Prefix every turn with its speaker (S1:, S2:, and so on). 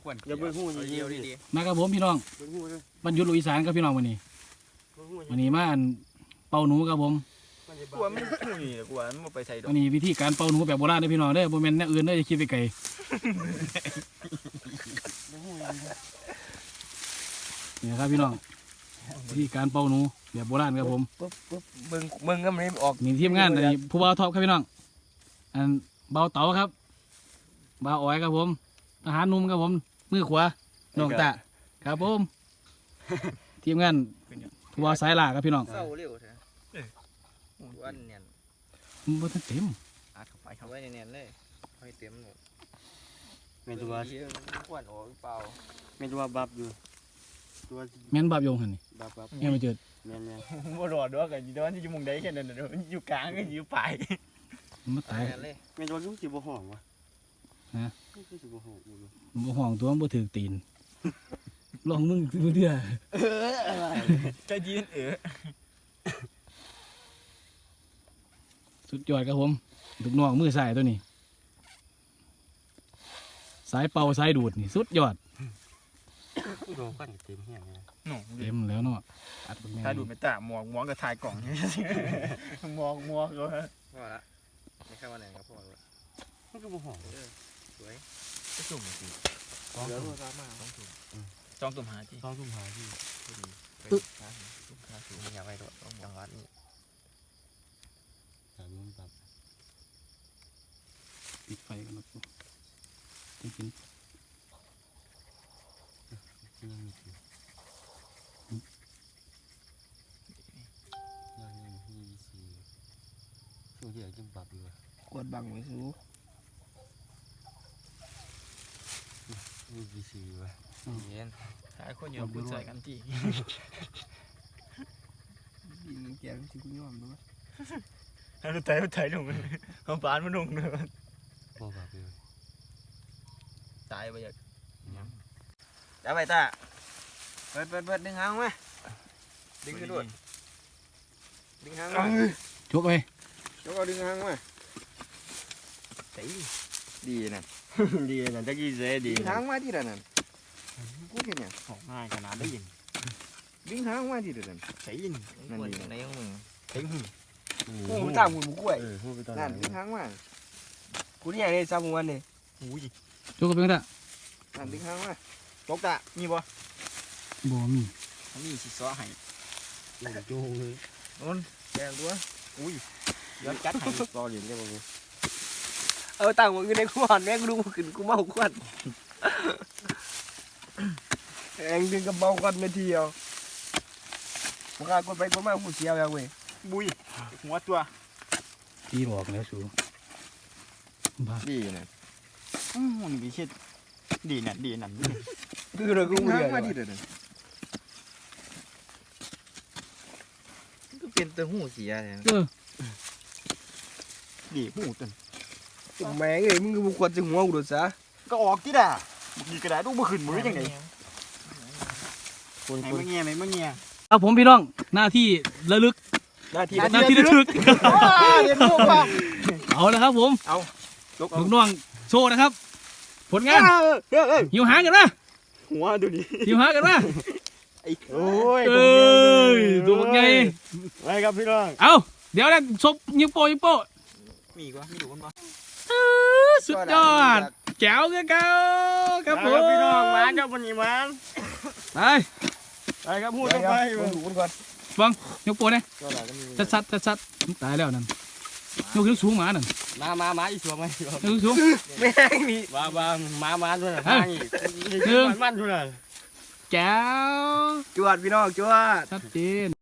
S1: อย่าเบิ่งหูเดียวดิ
S2: มากับผมพี่น้องบรรยุทธ์ลุยสานครับพี่น้องวันนี้มาอันเป่าหนูครับผม
S1: กลัวมันหูนี่กลัวมันไปใส่ดอก
S2: วันนี้วิธีการเป่าหนูแบบโบราณเด้อพี่น้องเด้อบ่แม่นแนวอื่นเด้ออย่าคิดไปไกลเนี่ยครับพี่น้องวิธีการเป่าหนูแบบโบราณครับผม
S1: เบิ่งก็มันออก
S2: มีทีมงานอันนี้ผู้บ่าวท็อปครับพี่น้องอันเบาเต๋าครับบ่าวอ้อยครับผมทหารหนุ่มครับผมมือขวาน้องตะครับผมทีมงานผู้บ่าวสายล่าครับพี่น้อง
S1: เศร้าเร็วแท้วันเนี่ย
S2: มันบ่ทันเต็ม
S1: อัดเข้าไปเข้าไว้เนี่ยเลยให้เต็มหมด
S3: แม่นตัว
S1: ควันออกเปล่า
S3: แม่นตัวบับอยู่ตัว
S2: แม่นบาปโยงหั่นนี่
S3: บับ
S2: แม่นบ่เจิด
S3: แม่น
S1: บ่รอดด้วยกันอยู่ตอนที่อยู่มุมใดแค่นั้นน่ะอยู่กลางก็อยู่ปลาย
S2: มันมาตาย
S1: เลย
S3: แม่นตัวลุงสิบ่ห้องวะ
S2: ฮะ
S3: คือสิบ่ห้องอยู่
S2: บ่ห่วงตัวมันบ่ถึกตีนลองมึงเด้อ
S1: จะยืน
S2: สุดยอดครับผมลูกน้องมือสายตัวนี้สายเป่าสายดูดนี่สุดยอด
S3: โดนกันเต็มแห้งเลย
S1: หนู
S2: เต็มแล้วเนาะอัดเป็นไง
S1: ถ้าดูไม่ตาหมองกับถ่ายกล่องมองก็พอละไม่เข้ามาไหนครับพอละ
S3: มันก็บ่ห้อง
S1: สวยจะสุ่มสิ
S3: เหลือ
S1: จองตุ่มหาที่
S3: 2ทุ่มหาที่
S1: ตุ่มหาสูงอยากไปด้วยต้องวางวัดนี่
S3: ตามมันบับ
S2: ปิดไฟกันแล้วจริง
S3: ยังมีอยู่ยังมีสิช่วงที่ยังบับอยู่
S1: กดบังไว้สู
S3: มีสิอยู่
S1: เย็นหาคนอยู่คุณใส่กันที่ดินแกงที่คุณยอมด้วยเราไถลงเขาปานมันลงเลย
S3: บ่บับอยู่
S1: ตายไปอยากจะไปตาเปิดดึงหางมาดึงขึ้นด้วยดึงหางมา
S2: ๆจกไป
S1: ยกเอาดึงหางมาดีนะ
S3: ดีนะจักกี้เสดี
S1: ดึงหางมาที่นั่นกูเห็นเนี่ย
S3: ของง่ายขนาดได้ยิน
S1: ดึงหางมาที่นั่น
S3: ใส่ยิน
S1: นั่นดีในของมึง
S3: ใส่หู
S1: โอ้ตามหุ่นกล้วย
S3: หูไปตอน
S1: นั่นดึงหางมากูนี่ไงซ้ำวันนี่
S3: หูย
S2: จกไปกันละ
S1: นั่นดึงหางมาตกตามีบ่
S2: บ่มี
S1: มีสิซ้อให้
S3: จูงเลย
S1: นนแกงตัวอุ้ยย้อนจัดให้
S3: รอเหรียญได้บ่
S1: ตั้งมันอยู่ในขวานแม่งดูขึ้นกูเมาขวานเองดึงกับเมาขวานไม่เที่ยวมึงกดไปกดมาหูเสียวยังเว้ยบุยหัวตัว
S2: พี่บอกแล้วสูบ้า
S3: ดีนะมันมีคิดดีนั่นดีนั่น
S1: คือเรากูเบื่อมาดิเด้อก็เป็นตัวหูเสียเนี่ย
S3: ดีหูตึน
S1: แม่งเอ้ยมึงก็ควรจะหัวกูดูซะ
S3: ก็ออกที่ด่ามีกระดาษดูบ่ขึ้นมือยังไงคน
S1: ไหน
S3: คน
S1: มึงเงี้ยไหนมึงเงี้ย
S2: ครับผมพี่น้องหน้าที่ระลึก
S1: หน้าที่
S2: หน้าที่ระลึก
S1: เรียนรู้ป่ะ
S2: เอาละครับผม
S1: เอายก
S2: ลูกน้องโชว์นะครับ ผลงานหิวหางกันนะ
S3: หัวดูดิ
S2: หิวหางกันนะ
S3: โอ้ย
S2: เอ้ยตัวบักใหญ่
S3: ไปครับพี่น้อง
S2: เอาเดี๋ยวนะซบยิงโป้ยิงโป้
S1: มีกว่ามีดูกันป่ะ
S2: สุดยอดแจ๋วกันเก่าครับผม
S3: พี่น้องมาครับวันนี้มา
S2: ไป
S3: ไปครับพูดไป
S1: ดูกันก่อน
S2: ฟังยกโป้เนี่ย
S1: ก็หลังก็มี
S2: ชัดตายแล้วนั่นยกขึ้นสูงหมานั่น
S3: มาอีกตัวไหม
S2: ยกขึ้นสูง
S1: แม่งมี
S3: มาด้วยนะทางอีกมันด้วยนะ
S2: แจ๋ว
S1: จวดพี่น้องจวด
S2: ชัดเจน